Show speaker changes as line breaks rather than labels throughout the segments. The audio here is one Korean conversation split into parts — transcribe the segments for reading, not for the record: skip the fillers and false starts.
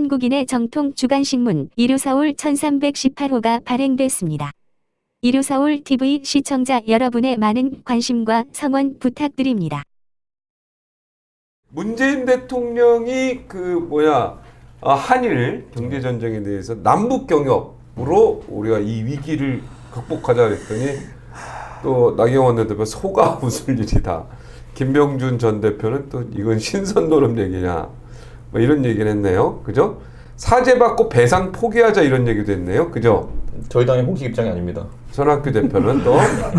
한국인의 정통 주간신문 이루서울 1318호가 발행됐습니다. 이루서울 TV 시청자 여러분의 많은 관심과 성원 부탁드립니다.
문재인 대통령이 한일 경제 전쟁에 대해서 남북 경협으로 우리가 이 위기를 극복하자 그랬더니 또 나경원 대표 소가 웃을 일이다. 김병준 전 대표는 또 이건 신선 노름 얘기냐 뭐 이런 얘기를 했네요. 그죠? 사죄받고 배상 포기하자 이런 얘기도 했네요. 그죠?
저희 당의 공식 입장이 아닙니다.
손학규 대표는 또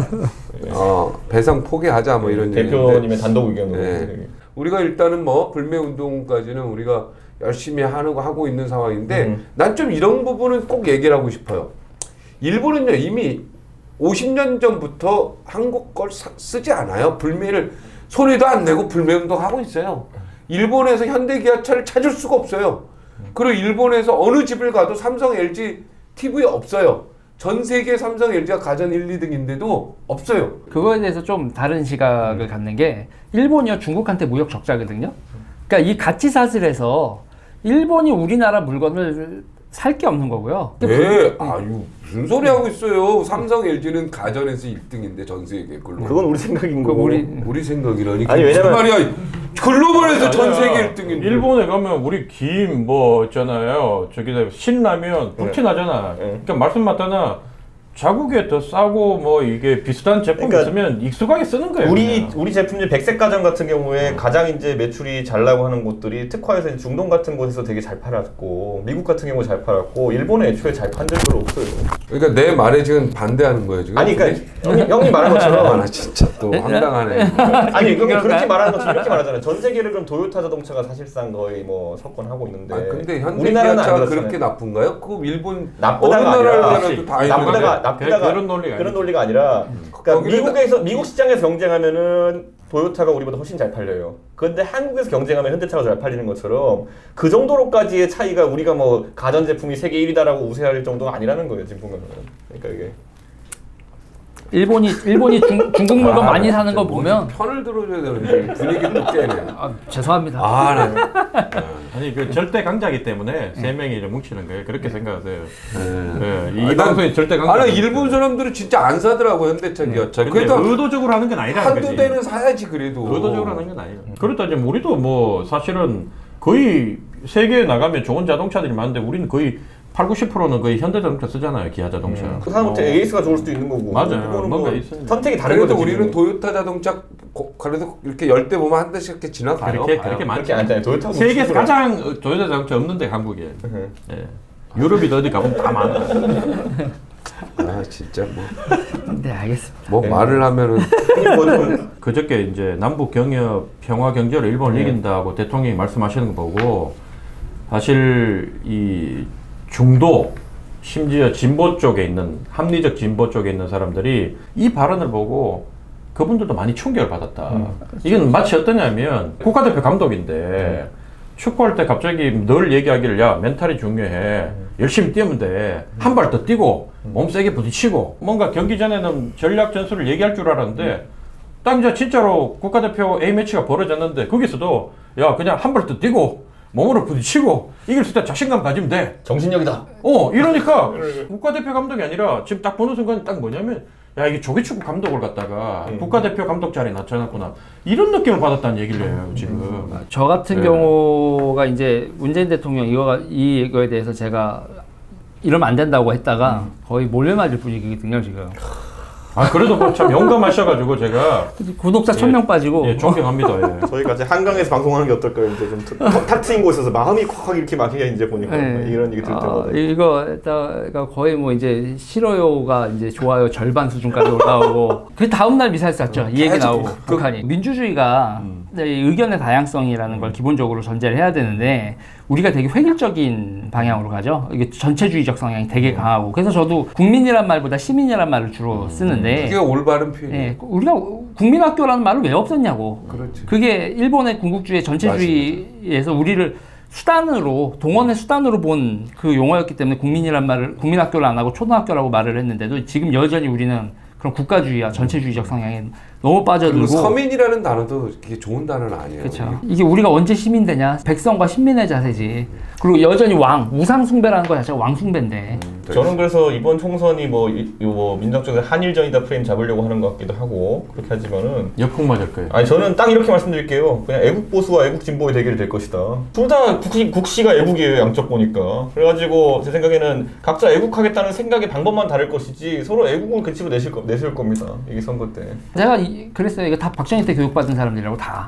배상 포기하자 뭐 이런 얘기인데
대표님의 단독 의견으로.
네. 우리가 일단은 뭐 불매운동까지는 우리가 열심히 하고 있는 상황인데 난 좀 이런 부분은 꼭 얘기를 하고 싶어요. 일본은요 이미 50년 전부터 한국 걸 쓰지 않아요. 불매를 소리도 안 내고 불매운동 하고 있어요. 일본에서 현대기아차를 찾을 수가 없어요. 그리고 일본에서 어느 집을 가도 삼성, LG, TV 없어요. 전 세계 삼성, LG가 가전 1, 2등인데도 없어요.
그거에 대해서 좀 다른 시각을 갖는 게 일본이요 중국한테 무역 적자거든요. 그러니까 이 가치 사슬에서 일본이 우리나라 물건을 살 게 없는 거고요.
네, 아유 무슨 소리 하고 있어요. 삼성, LG는 가전에서 1등인데 전 세계 글로벌.
그건 우리 생각인 거고.
우리 생각이라니.
아니, 왜냐면
무슨 말이야? 글로벌에서 전 세계 1등인데.
일본에 가면 우리 김 뭐 있잖아요. 저기다 신라면 불티나잖아. 그러니까 말씀 맞다나 자국에 더 싸고 뭐 이게 비슷한 제품
그러니까
있으면 익숙하게 쓰는 거예요.
우리 제품들 백색 가전 같은 경우에 가장 이제 매출이 잘 나고 하는 곳들이 특화해서 이제 중동 같은 곳에서 되게 잘 팔았고 미국 같은 경우 잘 팔았고 일본에 애초에 잘 판 적 별로 없어요.
그러니까 내 말에 지금 반대하는 거예요 지금.
아니 그러니까 형님 말한 것처럼
나 진짜 또 황당하네.
아니 그렇게 말하는 것처럼 이렇게 말하잖아요. 전 세계를 그럼 토요타 자동차가 사실상 거의 뭐 석권하고 있는데
근데
우리나라는 안
현대기아차가
그렇잖아요.
그렇게 나쁜가요? 그 일본
나쁘다가
어느
아니라
나라라도 다
나쁘다가 그런 논리가 아니라 그러니까 미국 시장에서 경쟁하면은 토요타가 우리보다 훨씬 잘 팔려요. 그런데 한국에서 경쟁하면 현대차가 잘 팔리는 것처럼 그 정도로까지의 차이가 우리가 뭐 가전 제품이 세계 1위다라고 우세할 정도가 아니라는 거예요 지금 보면은. 그러니까 이게
일본이 중국 물건 많이 사는 거 보면
편을 들어줘야 되는데 분위기 또 깨네.
죄송합니다.
아니 그 절대 강자기 때문에 세 명이 이제 뭉치는 거예요. 그렇게 생각하세요.
이
방송이 절대 강자.
아니 일본 사람들은 진짜 안 사더라고 현대차 기아차.
그래도 의도적으로 하는 건 아니라는 거지.
한두 대는 사야지 그래도.
의도적으로 하는 건 아니에요. 그렇다 지금 우리도 뭐 사실은 거의 세계에 나가면 좋은 자동차들이 많은데 우리는 거의 80~90%는 거의 현대자동차 쓰잖아요. 기아 자동차.
그 사람한테 AS가 좋을 수도 있는 거고.
맞아요.
그거는
뭔가
뭐
있으니까.
선택이 다른
그래도
거죠.
우리는
지금은.
토요타 자동차 그래도 이렇게 10대 보면 한 대씩 이렇게 지나가요.
그렇게 많지.
그렇게 않잖아요. 토요타
세계에서 가장 토요타 자동차 없는데 한국에. 예. 유럽이도 어디 가보면 다 많아.
아 진짜
네, 알겠습니다.
뭐 말을 하면은
그저께 이제 남북 경협 평화 경제로 일본을 이긴다고 대통령이 말씀하시는 거 보고 사실 이 중도 심지어 진보 쪽에 있는 합리적 진보 쪽에 있는 사람들이 이 발언을 보고 그분들도 많이 충격을 받았다. 이건 마치 어떠냐면 국가대표 감독인데 축구할 때 갑자기 늘 얘기하기를 야 멘탈이 중요해. 열심히 뛰면 돼. 한 발 더 뛰고 몸 세게 부딪히고 뭔가 경기 전에는 전략 전술을 얘기할 줄 알았는데 딱 이제 진짜로 국가대표 A매치가 벌어졌는데 거기서도 야 그냥 한 발 더 뛰고 몸으로 부딪히고 이길 수 있다 자신감 가지면 돼.
정신력이다.
이러니까 국가대표 감독이 아니라 지금 딱 보는 순간 딱 뭐냐면 야 이게 조기축구 감독을 갖다가 국가대표 감독 자리에 낮춰놨구나 이런 느낌을 받았다는 얘기를 해요 지금.
저 같은 경우가 이제 문재인 대통령 이거에 대해서 제가 이러면 안 된다고 했다가 거의 몰래 맞을 분위기거든요 지금.
그래도 뭐 참 용감하셔가지고 제가
구독자 1000명 빠지고.
예, 존경합니다. 예.
저희가 이제 한강에서 방송하는 게 어떨까요? 이제 좀 탁 트인 곳에서 마음이 콱콱 이렇게 막히게 이제 보니까 이런 얘기 들을 때마다
이거 거의 뭐 이제 싫어요가 이제 좋아요 절반 수준까지 올라오고 그 다음 날 미사일 쐈죠. 이 얘기 나오고 북한이 민주주의가 의견의 다양성이라는 걸 기본적으로 전제를 해야 되는데 우리가 되게 획일적인 방향으로 가죠. 이게 전체주의적 성향이 되게 강하고 그래서 저도 국민이란 말보다 시민이란 말을 주로 쓰는데
그게 올바른 표현이에요.
예, 우리가 국민학교라는 말을 왜 없었냐고.
그렇지.
그게 일본의 군국주의 전체주의에서 우리를 수단으로 동원의 수단으로 본 그 용어였기 때문에 국민학교를 안 하고 초등학교라고 말을 했는데도 지금 여전히 우리는 그런 국가주의와 전체주의적 성향에 너무 빠져들고.
그리고 서민이라는 단어도 이게 좋은 단어는 아니에요.
그렇죠. 이게 우리가 언제 시민 되냐? 백성과 신민의 자세지. 그리고 여전히 우상 숭배라는 거 자체가 왕 숭배인데.
저는 그래서 이번 총선이 뭐 민주당 쪽에서 한일전이다 프레임 잡으려고 하는 것 같기도 하고 그렇게 하지만은
역풍 맞을 거예요.
아니 저는 딱 이렇게 말씀드릴게요. 그냥 애국 보수와 애국 진보의 대결이 될 것이다. 둘 다 국시가 애국이에요. 양쪽 보니까. 그래가지고 제 생각에는 각자 애국하겠다는 생각의 방법만 다를 것이지 서로 애국을 그치로 내실 겁니다. 이게 선거 때.
제가 그랬어요. 이거 다 박정희 때 교육받은 사람들이라고 다.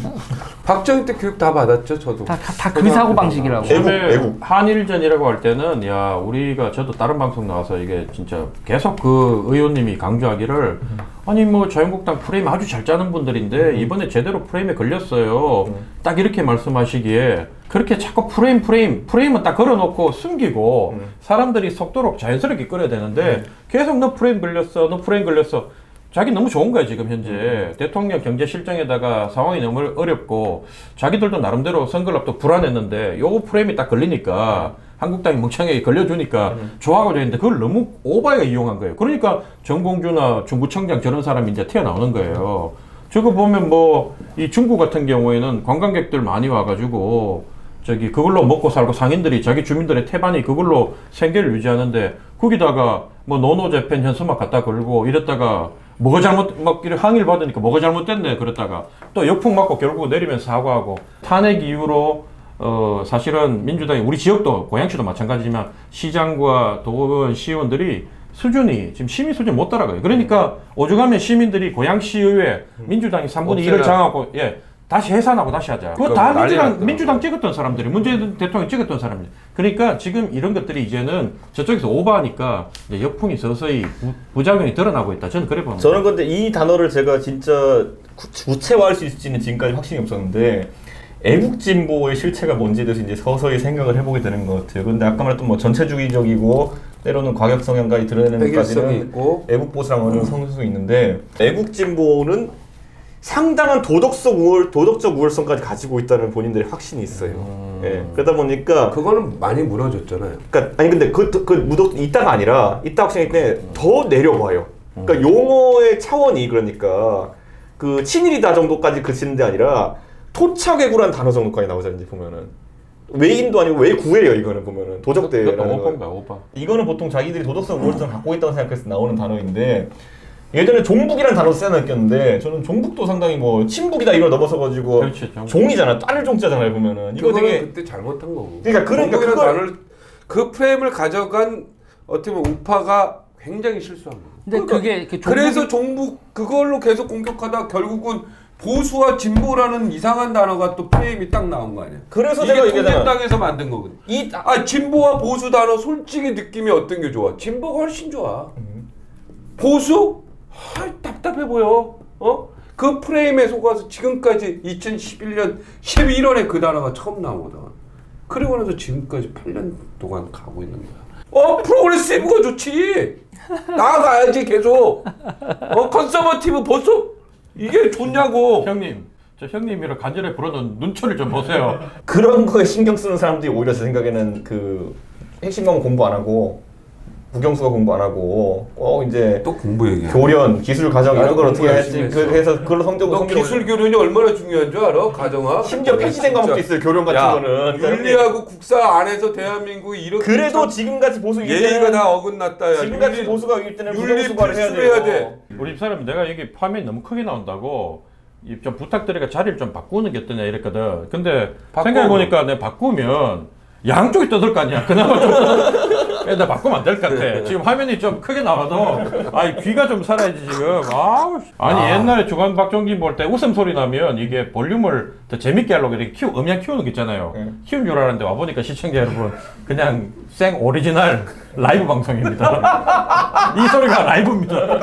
박정희 때 교육 다 받았죠, 저도.
다 그 사고 방식이라고.
애국.
한일전이라고 할 때는 야 우리가 저도 다른 방송 나와서 이게 진짜 계속 그 의원님이 강조하기를 아니 뭐 자유한국당 프레임 아주 잘 짜는 분들인데 이번에 제대로 프레임에 걸렸어요. 딱 이렇게 말씀하시기에 그렇게 자꾸 프레임은 딱 걸어놓고 숨기고 사람들이 속도록 자연스럽게 끌어야 되는데 계속 너 프레임 걸렸어. 자기 너무 좋은 거야 지금 현재 대통령 경제 실정에다가 상황이 너무 어렵고 자기들도 나름대로 선거랍도 불안했는데 요거 프레임이 딱 걸리니까 한국당이 멍청하게 걸려주니까 좋아하고 있는데 그걸 너무 오바게 이용한 거예요. 그러니까 정봉주나 중구청장 저런 사람이 이제 튀어나오는 거예요. 저거 보면 뭐 이 중구 같은 경우에는 관광객들 많이 와가지고 저기 그걸로 먹고 살고 상인들이 자기 주민들의 태반이 그걸로 생계를 유지하는데 거기다가 뭐 노노재팬 현수막 갖다 걸고 이랬다가 뭐가 막 항의를 받으니까 뭐가 잘못됐네 그랬다가 또 역풍 맞고 결국 내리면서 사과하고 탄핵 이후로 사실은 민주당이 우리 지역도 고양시도 마찬가지지만 시장과 도의원 시의원들이 수준이 지금 시민 수준 못 따라가요. 그러니까 오죽하면 시민들이 고양시의회 민주당이 3분의 1을 장하고 다시 해산하고 다시 하자. 그거 다 민주당 찍었던 사람들이 문재인 대통령 찍었던 사람들. 그러니까 지금 이런 것들이 이제는 저쪽에서 오버하니까 이제 역풍이 서서히 부작용이 드러나고 있다. 저는 그래 봅니다.
저는 근데 이 단어를 제가 진짜 구체화할 수 있을지는 지금까지 확신이 없었는데 애국진보의 실체가 뭔지에 대해서 이제 서서히 생각을 해보게 되는 것 같아요. 근데 아까 말했던 뭐 전체주의적이고 때로는 과격 성향까지 드러내는 것까지는 애국보수랑 어느 성수도 있는데 애국진보는 상당한 도덕적 우월성까지 가지고 있다는 본인들의 확신이 있어요. 예. 그러다 보니까
그거는 많이 무너졌잖아요.
그러니까 아니 근데 있다가 아니라 있다 확신일 때 더 내려와요. 그러니까 용어의 차원이 그러니까 그 친일이다 정도까지 그치는 데 아니라 토착애구라는 단어 정도까지 나오잖아요. 이제 보면은 외인도 아니고 외구예요. 이거는 보면은 도적대라는 거. 이거는 보통 자기들이 도덕성 우월성을 갖고 있다고 생각해서 나오는 단어인데 예전에 종북이라는 단어도 쓰여놨겠는데 저는 종북도 상당히 뭐 친북이다 이걸 넘어서가지고 종이잖아. 딸을 종자잖아요. 보면은 이거 되게
그때 잘못한 거고.
그러니까
단어를 그 프레임을 가져간 어떻게 보면 우파가 굉장히 실수한 거예요.
근데
그러니까 그래서 종북 그걸로 계속 공격하다 결국은 보수와 진보라는 이상한 단어가 또 프레임이 딱 나온 거 아니야.
그래서
이게
제가 얘기하잖아.
통일당에서 만든 거거든. 진보와 보수 단어 솔직히 느낌이 어떤 게 좋아? 진보가 훨씬 좋아. 보수? 답답해 보여. 그 프레임에 속아서 지금까지 2011년 11월에 그 단어가 처음 나오거든. 그리고 나서 지금까지 8년 동안 가고 있는 거야. 프로그레시브가 좋지. 나아가야지 계속. 컨서버티브 보수? 이게 좋냐고.
형님, 저 형님이랑 간절히 부르는 눈초리를 좀 보세요.
그런 거에 신경 쓰는 사람들이 오히려 제 생각에는 그 핵심 과목 공부 안 하고 국영수가 공부 안 하고 꼭 이제
또 공부 얘기해.
교련, 기술, 가정 이런 걸 어떻게 할지 그래서 그걸로
너 기술 교련이 얼마나 중요한 줄 알아? 가정학.
심지어 폐지된 과목도 있어요. 교련 같은 거는.
윤리하고 국사 안에서 대한민국이 이렇게
그래도 지금같이 보수
예의가 다 어긋났다.
지금같이 보수가 위일 때는
윤리
부정수가를
필수해야 돼.
우리 집사람이 내가 여기 화면이 너무 크게 나온다고 좀 부탁드리니까 자리를 좀 바꾸는 게 어떠냐 이랬거든. 근데 생각해보니까 내가 바꾸면 양쪽이 떠들 거 아니야. 그나마 좀 나 바꾸면 안 될 것 같아. 지금 화면이 좀 크게 나와도 귀가 좀 살아야지 지금. 옛날에 주간 박종진 볼 때 웃음소리 나면 이게 볼륨을 더 재밌게 하려고 이렇게 음량 키우는 거 있잖아요. 키운 줄 알았는데 와보니까 시청자 여러분 그냥 생 오리지널 라이브 방송입니다. 이 소리가 라이브입니다.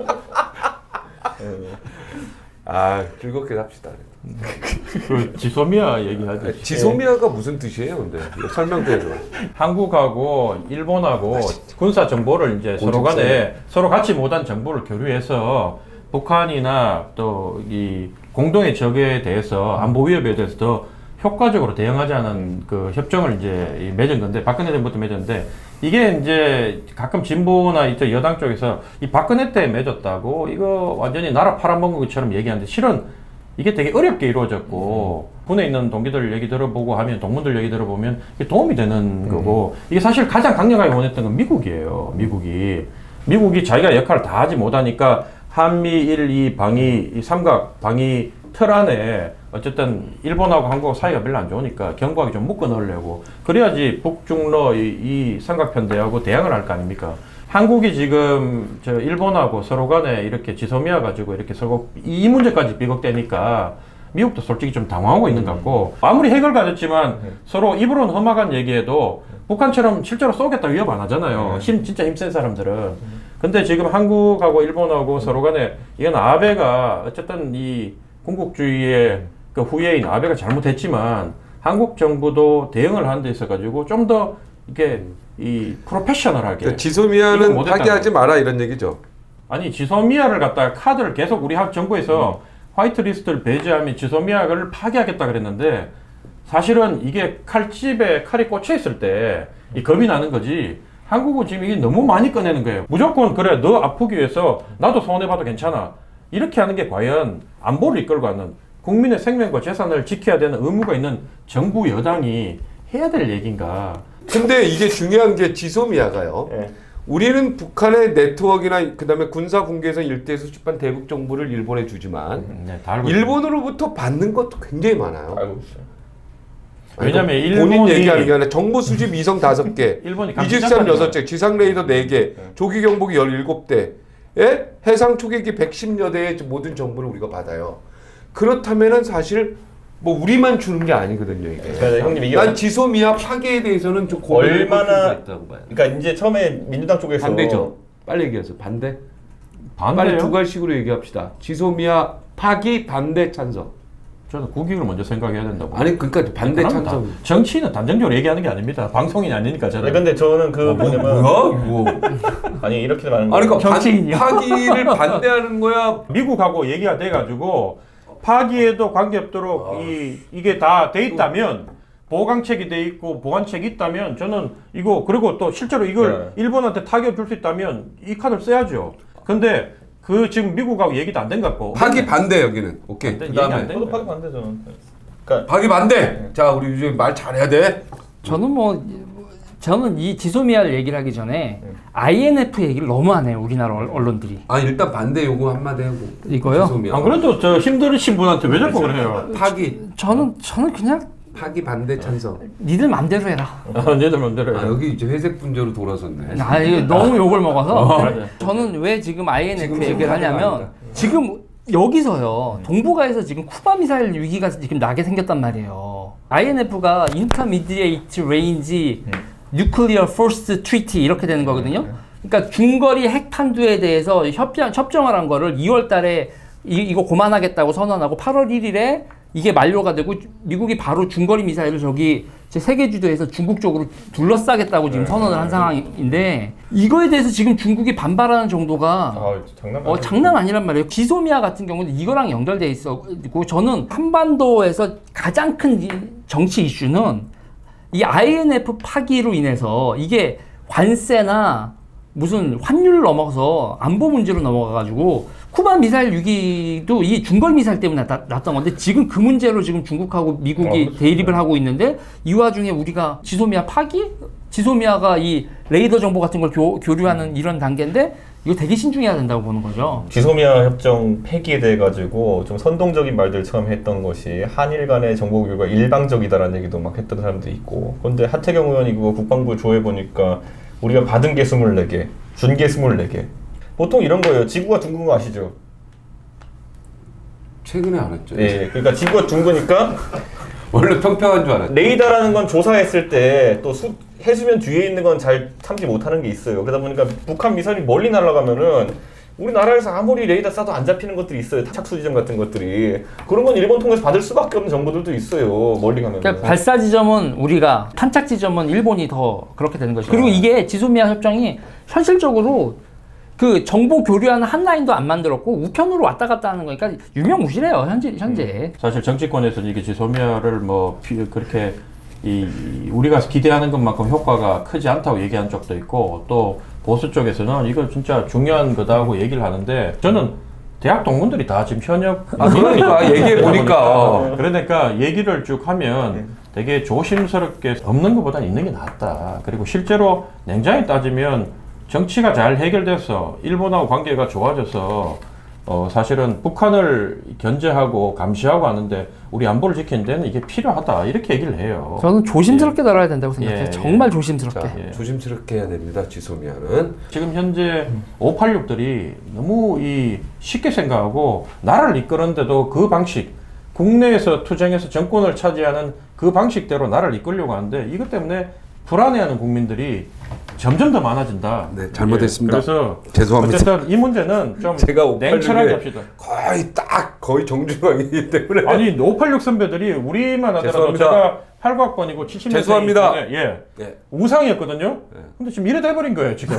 즐겁게 삽시다.
그 지소미아 얘기하듯이.
지소미아가 무슨 뜻이에요, 근데? 설명도 해줘.
한국하고 일본하고 군사 정보를 이제 서로 간에 서로 같이 못한 정보를 교류해서 북한이나 또 이 공동의 적에 대해서 안보 위협에 대해서 더 효과적으로 대응하자는 그 협정을 이제 맺은 건데 박근혜 정부부터 맺었는데 이게 이제 가끔 진보나 이쪽 여당 쪽에서 이 박근혜 때 맺었다고 이거 완전히 나라 팔아먹은 것처럼 얘기하는데 실은 이게 되게 어렵게 이루어졌고 군에 있는 동기들 얘기 들어보고 하면 동문들 얘기 들어보면 이게 도움이 되는 거고 이게 사실 가장 강력하게 원했던 건 미국이에요. 미국이 자기가 역할을 다 하지 못하니까 한미일 이 방위 이 삼각 방위 틀 안에 어쨌든 일본하고 한국하고 사이가 별로 안 좋으니까 견고하게 좀 묶어 넣으려고 그래야지 북중러 이 삼각편대하고 대항을 할 거 아닙니까? 한국이 지금 저 일본하고 서로 간에 이렇게 지소미아 가지고 이렇게 서로 이 문제까지 비극되니까 미국도 솔직히 좀 당황하고 있는 것 같고 아무리 핵을 가졌지만 서로 입으로는 험악한 얘기해도 북한처럼 실제로 쏘겠다 위협 안 하잖아요. 진짜 힘센 사람들은. 근데 지금 한국하고 일본하고 서로 간에 이건 아베가 어쨌든 이 군국주의의 그 후예인 아베가 잘못했지만 한국 정부도 대응을 하는 데 있어 가지고 좀 더 이렇게 이 프로페셔널하게
그러니까 지소미아는
이거 못했다는
파기하지 마라 이런 얘기죠.
아니 지소미아를 갖다가 카드를 계속 우리 정부에서 화이트리스트를 배제하면 지소미아를 파기하겠다 그랬는데 사실은 이게 칼집에 칼이 꽂혀 있을 때 이 겁이 나는 거지. 한국은 지금 이게 너무 많이 꺼내는 거예요. 무조건 그래 너 아프기 위해서 나도 손해봐도 괜찮아. 이렇게 하는 게 과연 안보를 이끌고 가는 국민의 생명과 재산을 지켜야 되는 의무가 있는 정부 여당이 해야 될 얘기인가.
근데 이게 중요한 게 지소미아가요. 우리는 북한의 네트워크나 그다음에 군사 분계선 일대에서 수집한 대북 정보를 일본에 주지만
네, 다 알고 있어요.
일본으로부터 받는 것도 굉장히 많아요.
알고 있어요.
왜냐면
본인
일본이-
얘기하는 게 아니라 정보 수집 위성 5개,
일본이
이집산
감시장관이잖아요.
6개, 지상 레이더 4개, 조기 경보기 17대, 해상 초계기 110여 대의 모든 정보를 우리가 받아요. 그렇다면은 사실 뭐 우리만 주는 게 아니거든요, 이게.
그러니까 형님 이게
난 지소미아 파괴에 대해서는 좀 고민해볼 필요가
얼마나
있다고 봐요.
그러니까 이제 처음에 민주당 쪽에서
반대죠. 빨리 얘기하세요. 반대. 빨리
반대요?
두 갈식으로 얘기합시다. 지소미아 파기 반대 찬성.
저는 국익을 먼저 생각해야 된다고.
아니 그러니까 반대
그럼
찬성.
정치인은 단정적으로 얘기하는 게 아닙니다. 방송인이 아니니까 저는.
아니, 근데 저는 그 뭐냐면
뭐야 이거?
아니 이렇게 말하는
아니
거
그러니까
정치인이요?
파기를 반대하는 거야.
미국하고 얘기가 돼가지고 파기에도 관계없도록 이게 다 돼 있다면 보강책이 돼 있고 보완책이 있다면 저는 이거 그리고 또 실제로 이걸 일본한테 타격 줄 수 있다면 이 카드를 써야죠. 근데 그 지금 미국하고 얘기도 안 된 것 같고
파기 반대 여기는. 오케이.
반대,
그다음에
얘기 안 돼?
저도 파기 반대 저는. 그러니까
파기 반대. 자 우리 이제 말 잘해야 돼.
저는 이 지소미아를 얘기를 하기 전에 INF 얘기를 너무 안 해요, 우리나라 언론들이.
아 일단 반대 요구 한마디 하고.
이거요?
지소미아.
안 그래도 저 힘들으신 분한테 왜 자꾸 그래요?
파기
저는 그냥
파기 반대 찬성.
니들 맘대로 해라.
얘들 맘대로
아
해요.
여기 이제 회색 분자로 돌아섰네.
아, 이거 너무 욕을 먹어서.
맞아요.
저는 왜 지금 INF
지금
얘기를 하냐면,
아니다.
지금 여기서요, 동북아에서 지금 쿠바 미사일 위기가 지금 나게 생겼단 말이에요. INF가 Intermediate Range Nuclear Force Treaty 이렇게 되는 거거든요. 그러니까 중거리 핵탄두에 대해서 협정을 한 거를 2월 달에 이거 고만하겠다고 선언하고 8월 1일에 이게 만료가 되고 미국이 바로 중거리 미사일을 저기 제 세계 주도에서 중국 쪽으로 둘러싸겠다고 지금 선언을 한 상황인데 이거에 대해서 지금 중국이 반발하는 정도가 장난 아니란 말이에요. 지소미아 같은 경우는 이거랑 연결돼 있었고 저는 한반도에서 가장 큰 정치 이슈는 이 INF 파기로 인해서 이게 관세나 무슨 환율을 넘어서 안보 문제로 넘어가가지고 쿠바 미사일 위기도 이 중거리 미사일 때문에 났던 건데 지금 그 문제로 지금 중국하고 미국이 대립을 하고 있는데 이 와중에 우리가 지소미아 파기? 지소미아가 이 레이더 정보 같은 걸 교류하는 이런 단계인데 이거 되게 신중해야 된다고 보는 거죠.
지소미아 협정 폐기에 대해 가지고 좀 선동적인 말들 처음 했던 것이 한일 간의 정보 교류가 일방적이다라는 얘기도 막 했던 사람도 있고 그런데 하태경 의원이 그거 국방부 조회 보니까 우리가 받은 게 24개, 준 게 24개. 보통 이런 거예요. 지구가 둥근 거 아시죠?
최근에 알았죠.
예, 그러니까 지구가 둥그니까
원래 평평한 줄 알았죠.
레이더라는 건 조사했을 때 또 해수면 뒤에 있는 건 잘 참지 못하는 게 있어요. 그러다 보니까 북한 미사일이 멀리 날아가면은 우리나라에서 아무리 레이더 쏴도 안 잡히는 것들이 있어요. 착수 지점 같은 것들이. 그런 건 일본 통해서 받을 수밖에 없는 정보들도 있어요. 멀리 가면.
그러니까 발사 지점은 우리가, 탄착 지점은 일본이 더 그렇게 되는 거죠. 그리고 이게 지소미아 협정이 현실적으로 그 정보 교류하는 한 라인도 안 만들었고 우편으로 왔다 갔다 하는 거니까 유명무실해요 현재.
사실 정치권에서는 이게 지소미아를 뭐 그렇게 우리가 기대하는 것만큼 효과가 크지 않다고 얘기한 적도 있고 또 보수 쪽에서는 이거 진짜 중요한 거다 하고 얘기를 하는데 저는 대학 동문들이 다 지금 현역
그러니까 얘기해 보니까
그러니까 얘기를 쭉 하면 되게 조심스럽게 없는 것보다 있는 게 낫다. 그리고 실제로 냉정히 따지면 정치가 잘 해결돼서 일본하고 관계가 좋아져서 사실은 북한을 견제하고 감시하고 하는데 우리 안보를 지키는 데는 이게 필요하다 이렇게 얘기를 해요.
저는 조심스럽게 다뤄야 된다고 생각해요.
예,
정말 조심스럽게.
자, 조심스럽게 해야 됩니다. 지소미아는
지금 현재 586들이 너무 쉽게 생각하고 나라를 이끄는데도 그 방식 국내에서 투쟁해서 정권을 차지하는 그 방식대로 나라를 이끌려고 하는데 이것 때문에 불안해하는 국민들이 점점 더 많아진다.
네, 잘못했습니다.
그래서
죄송합니다.
어쨌든 이 문제는 좀
제가 586에
냉철하게 합시다.
거의 정중앙이기 때문에
아니 586 선배들이 우리만 하더라도
죄송합니다.
제가 89학번이고 70년생
죄송합니다.
예.
네.
우상이었거든요.
네.
근데 지금 이래 돼버린 거예요 지금.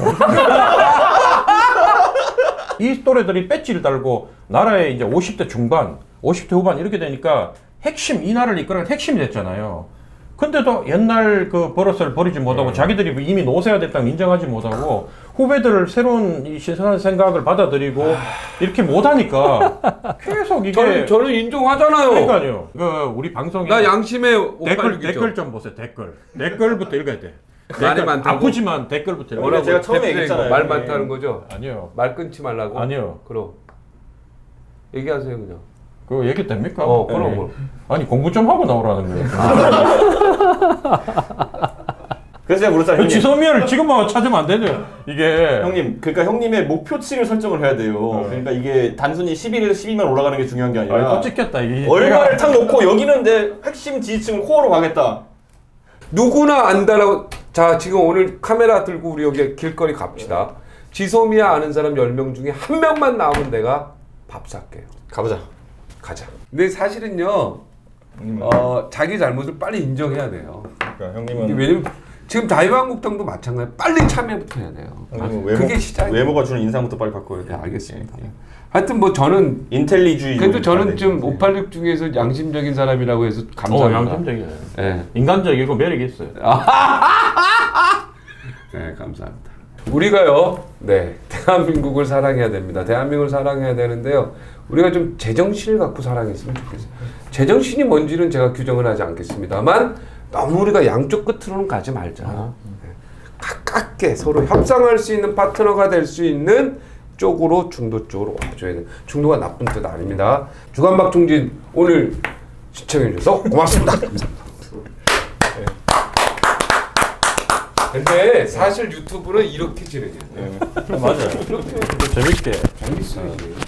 이 또래들이 배지를 달고 나라에 이제 50대 중반, 50대 후반 이렇게 되니까 이 나라를 이끌어가는 핵심이 됐잖아요. 근데도 옛날 그 버릇을 버리지 못하고 자기들이 이미 노세가 됐다고 인정하지 못하고 후배들을 새로운 이 신선한 생각을 받아들이고 이렇게 못하니까 계속 이게
저는 인정하잖아요.
그러니까요. 우리 방송에
나 양심의 586이죠.
댓글 좀 보세요. 댓글부터 읽어야 돼.
말이
댓글,
많다고?
아프지만 댓글부터 읽어야
뭐라고?
돼.
제가 처음에
대표님,
얘기했잖아요.
말 많다는 거죠?
아니요.
말 끊지 말라고?
아니요.
그럼 얘기하세요 그냥.
그거 얘기 됩니까?
그럼
네.
뭐.
아니 공부 좀 하고 나오라는 거예요.
그래서 제가 물었잖아요. 형님.
지소미아를 지금 막 찾으면 안 되죠. 이게
형님, 그러니까 형님의 목표치를 설정을 해야 돼요. 그러니까 이게 단순히 11에서 12만 올라가는 게 중요한 게 아니라
또 찍혔다 이게.
얼마를 탁 놓고 여기는 내 핵심 지지층을 코어로 가겠다.
누구나 안다라고. 자, 지금 오늘 카메라 들고 우리 여기 길거리 갑시다. 지소미아 아는 사람 10명 중에 한 명만 나오면 내가 밥 살게요.
가보자.
가자. 근데 사실은요, 자기 잘못을 빨리 인정해야 돼요.
그러니까 형님은
왜냐면 지금 자유한국당도 마찬가지. 빨리 참여부터 해야 돼요. 그게 시작이에요.
외모가 주는 인상부터 빨리 바꿔야 돼.
네, 알겠습니다. 하여튼 뭐 저는
인텔리주의.
그래도 저는 좀 586 중에서 양심적인 사람이라고 해서 감사합니다.
양심적이에요.
네.
인간적이고 매력이 있어요.
네, 감사합니다. 우리가요, 네, 대한민국을 사랑해야 됩니다. 대한민국을 사랑해야 되는데요. 우리가 좀 제정신을 갖고 사랑했으면 좋겠어요. 제정신이 뭔지는 제가 규정을 하지 않겠습니다만 너무 우리가 양쪽 끝으로는 가지 말자. 네. 가깝게 서로 협상할 수 있는 파트너가 될 수 있는 쪽으로 중도 쪽으로 와줘야 돼. 중도가 나쁜 뜻 아닙니다. 주간박종진 오늘 시청해 주셔서 고맙습니다. 감사합니다. 근데 사실 유튜브는 이렇게 진행해요.
맞아요. 재밌게.
재밌어요.